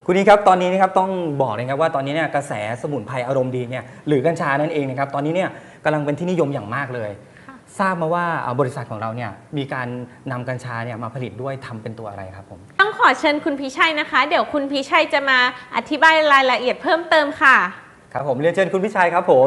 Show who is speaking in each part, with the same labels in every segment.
Speaker 1: คุณนี้ครับตอนนี้นะครับต้องบอกเลยครับว่าตอนนี้เนี่ยกระแสสมุนไพรอารมณ์ดีเนี่ยหรือกัญชานั่นเองนะครับตอนนี้เนี่ยกำลังเป็นที่นิยมอย่างมากเลยทราบมาว่าบริษัทของเราเนี่ยมีการนำกัญชาเนี่ยมาผลิตด้วยทำเป็นตัวอะไรครับผม
Speaker 2: ต้องขอเชิญคุณพิชัยนะคะเดี๋ยวคุณพิชัยจะมาอธิบายรายละเอียดเพิ่มเติมค่ะ
Speaker 1: ครับผมเรียนเชิญคุณพิชัยครับผม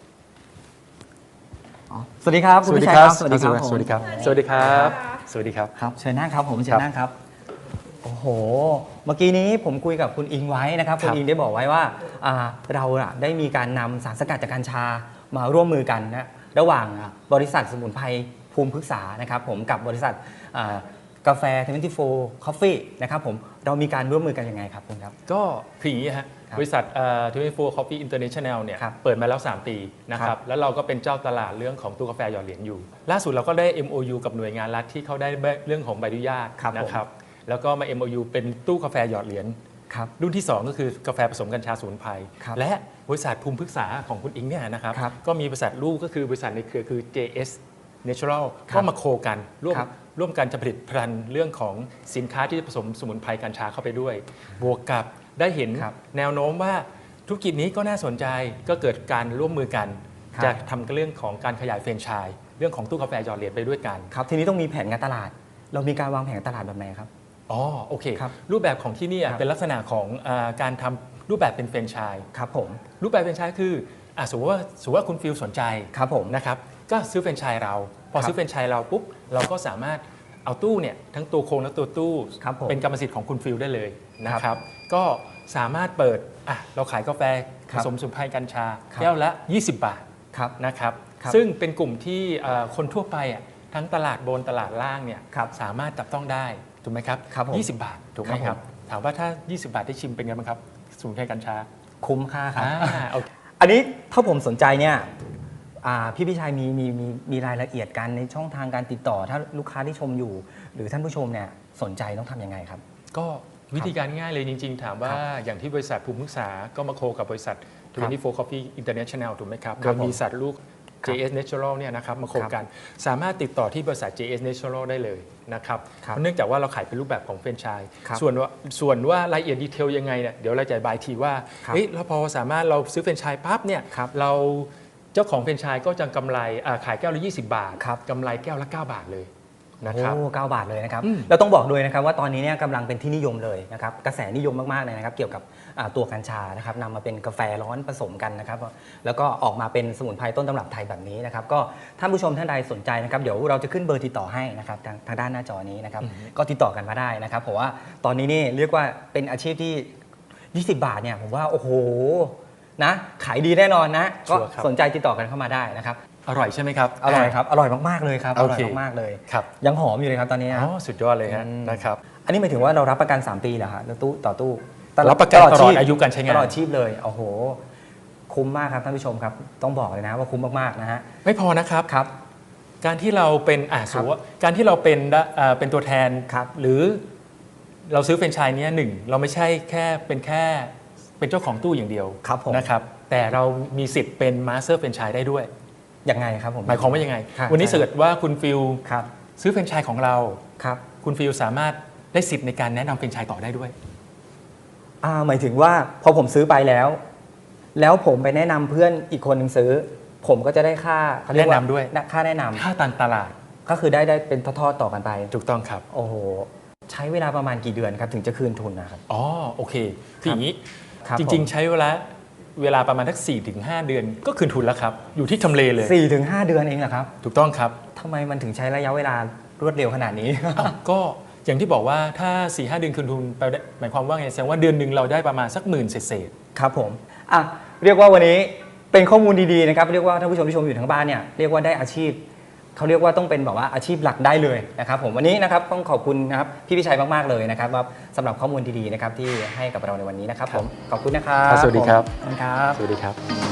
Speaker 1: สวัสดีครับคุณพิชัยครับ
Speaker 3: สวัสดีครับสวัสดีครับสวัสดีครับสวัสดีครับ
Speaker 1: ครับเชิญนั่งครับผมเชิญนั่งครับโอ้โหเมื่อกี้นี้ผมคุยกับคุณอิงไว้นะครับคุณอิงได้บอกไว้ว่าเราได้มีการนำสารสกัดจากกัญชามาร่วมมือกันนะระหว่างบริษัทสมุนไพรภูมิพฤกษานะครับผมกับบริษัทกาแฟ24 Coffee นะครับผมเรามีการร่วมมือกันยังไงครับคุณครับ
Speaker 3: ก็คืออย่างนี้ฮะบริษัท24 Coffee International เนี่ยเปิดมาแล้ว3 ปีนะครับแล้วเราก็เป็นเจ้าตลาดเรื่องของตู้กาแฟหยอดเหรียญอยู่ล่าสุดเราก็ได้ MOU กับหน่วยงานรัฐที่เขาได้เรื่องของใบอนุญาตนะครับแล้วก็มา MOU เป็นตู้กาแฟหยอดเหรียญรุ่นที่2ก็คือกาแฟผสมกัญชาสมุนไพรและบริษัทภูมิพฤกษาของคุณอิงเนี่ยนะครับก็มีบริษัทลูกก็คือบริษัทในเครือคือ JS Natural ก็มาโคกันร่วมกันจะผลิตภัณฑ์เรื่องของสินค้าที่จะผสมสมุนไพรกัญชาเข้าไปด้วยบวกกับได้เห็นแนวโน้มว่าธุรกิจนี้ก็น่าสนใจก็เกิดการร่วมมือกันจะทำเรื่องของการขยายแฟรนไชส์เรื่องของตู้กาแฟหยอดเหรียญไปด้วยกัน
Speaker 1: ครับทีนี้ต้องมีแผนการตลาดเรามีการวางแผนตลาดแบบไหนครับ
Speaker 3: อ๋อโอเครูปแบบของที่นี่เป็นลักษณะของการทำรูปแบบเป็นแฟรนไชส์
Speaker 1: ครับผม
Speaker 3: รูปแบบแฟรนไชส์คือสมมติว่าคุณฟิลสนใจ
Speaker 1: ครับผม
Speaker 3: นะครับก็ซื้อแฟรนไชส์เราพอซื้อแฟรนไชส์เราปุ๊บเราก็สามารถเอาตู้เนี่ยทั้งตัวโครงและตัวตู้เป็นกรรมสิทธิ์ของคุณฟิลได้เลยนะครับก็สามารถเปิดเราขายกาแฟผสมสมุนไพรกัญชาแก้วละ20 บาทนะครับซึ่งเป็นกลุ่มที่คนทั่วไปทั้งตลาดบนตลาดล่างเนี่ยสามารถจับต้องได้ถูกไหมครับ20 บาทถูกไหมครับถามว่าถ้า20 บาทได้ชิมเป็นไงบ้างครับสมุนไพรกัญชา
Speaker 1: คุ้มค่าครับอันนี้ถ้าผมสนใจเนี่ยพี่ชัยมีรายละเอียดกันในช่องทางการติดต่อถ้าลูกค้าที่ชมอยู่หรือท่านผู้ชมเนี่ยสนใจต้องทำยังไงครับ
Speaker 3: ก็วิธีการง่ายเลยจริงๆถามว่าอย่างที่บริษัทภูมิพฤกษาก็มาโคกับบริษัท24 Coffee International ถูกไหมครับโดยมีบริษัทลูก JS Natural เนี่ยนะครับมาโคกันสามารถติดต่อที่บริษัท JS Natural ได้เลยนะครับเนื่องจากว่าเราขายเป็นรูปแบบของแฟรนไชส์ส่วนว่ารายละเอียดดีเทลยังไงเนี่ยเดี๋ยวเราจะบายทีว่าเราพอสามารถเราซื้อแฟรนไชส์ปั๊บเนี่ยเราเจ้าของแฟรนไชส์ก็จะกำไรขายแก้วละ20 บาทกำไรแก้วละ9 บาทเลย
Speaker 1: นะครับ9 บาทเลยนะครับเราต้องบอกด้วยนะครับว่าตอนนี้เนี่ยกำลังเป็นที่นิยมเลยนะครับกระแสนิยมมากๆเลยนะครับเกี่ยวกับตัวกัญชานะครับนำมาเป็นกาแฟร้อนผสมกันนะครับแล้วก็ออกมาเป็นสมุนไพรต้นตำรับไทยแบบนี้นะครับก็ท่านผู้ชมท่านใดสนใจนะครับเดี๋ยวเราจะขึ้นเบอร์ติดต่อให้นะครับทางด้านหน้าจอนี้นะครับก็ติดต่อกันมาได้นะครับเพราะว่าตอนนี้นี่เรียกว่าเป็นอาชีพที่20 บาทเนี่ยผมว่าโอ้โหนะขายดีแน่นอนนะก็สนใจติดต่อกันเข้ามาได้นะครับ
Speaker 3: อร่อยใช่ไหมครับ
Speaker 1: อร่อยครับอร่อยมากๆเลยครับอร่อยมากๆเลยยังหอมอยู่เลยครับตอนนี้
Speaker 3: สุดยอดเลยนะครับ
Speaker 1: อันนี้หมายถึงว่าเรารับประกัน3 ปีเหรอฮะตู้ต่อตู้
Speaker 3: รับประกันตลอดอายุการใช้งาน
Speaker 1: ตลอดชีพเลยโอ้โหคุ้มมากครับท่านผู้ชมครับต้องบอกเลยนะว่าคุ้มมากๆนะฮะ
Speaker 3: ไม่พอนะครับการที่เราเป็นสมมติว่าการที่เราเป็นตัวแทนหรือเราซื้อแฟรนไชส์นี้เราไม่ใช่แค่เป็นเจ้าของตู้อย่างเดียวนะครับแต่เรามีสิทธิ์เป็นมาสเตอร์แฟรนไชส์ได้ด้วย
Speaker 1: ยังไงครับผม
Speaker 3: หมายความว่ายังไงวันนี้เกิดว่าคุณฟิลซื้อแฟรนไชส์ของเราคุณฟิลสามารถได้สิทธิ์ในการแนะนำแฟรนไชส์ต่อได้ด้วย
Speaker 1: หมายถึงว่าพอผมซื้อไปแล้วผมไปแนะนำเพื่อนอีกคนหนึ่งซื้อผมก็จะได้ค่า
Speaker 3: แนะนำด้วย
Speaker 1: ค่าแนะนำ
Speaker 3: ค่าตันตลาด
Speaker 1: ก็คือได้เป็นทอดๆต่อกันไป
Speaker 3: ถูกต้องครับ
Speaker 1: โอ้โหใช้เวลาประมาณกี่เดือนครับถึงจะคืนทุนนะครับ
Speaker 3: อ๋อโอเคคืออย่างนี้จริงๆใช้เวลาประมาณสัก 4-5 เดือนก็คืนทุนแล้วครับอยู่ที่ทำเลเลย
Speaker 1: 4-5 เดือนเองเหรอครับ
Speaker 3: ถูกต้องครับ
Speaker 1: ทำไมมันถึงใช้ระยะเวลารวดเร็วขนาดนี้
Speaker 3: ก็อย่างที่บอกว่าถ้า 4-5 เดือนคืนทุนไปหมายความว่าไงแสดงว่าเดือนหนึ่งเราได้ประมาณสัก10,000เศษ
Speaker 1: ครับผมเรียกว่าวันนี้เป็นข้อมูลดีๆนะครับเรียกว่าท่านผู้ชมที่ชมอยู่ทางบ้านเนี่ยเรียกว่าได้อาชีพเขาเรียกว่าต้องเป็นแบบว่าอาชีพหลักได้เลยนะครับผมวันนี้นะครับต้องขอบคุณนะครับพี่พิชัยมากๆเลยนะครับว่าสำหรับข้อมูลดีๆนะครับที่ให้กับเราในวันนี้นะครับผมขอบคุณนะครับ
Speaker 3: สวัสดีครับ
Speaker 1: สวัสดีครับ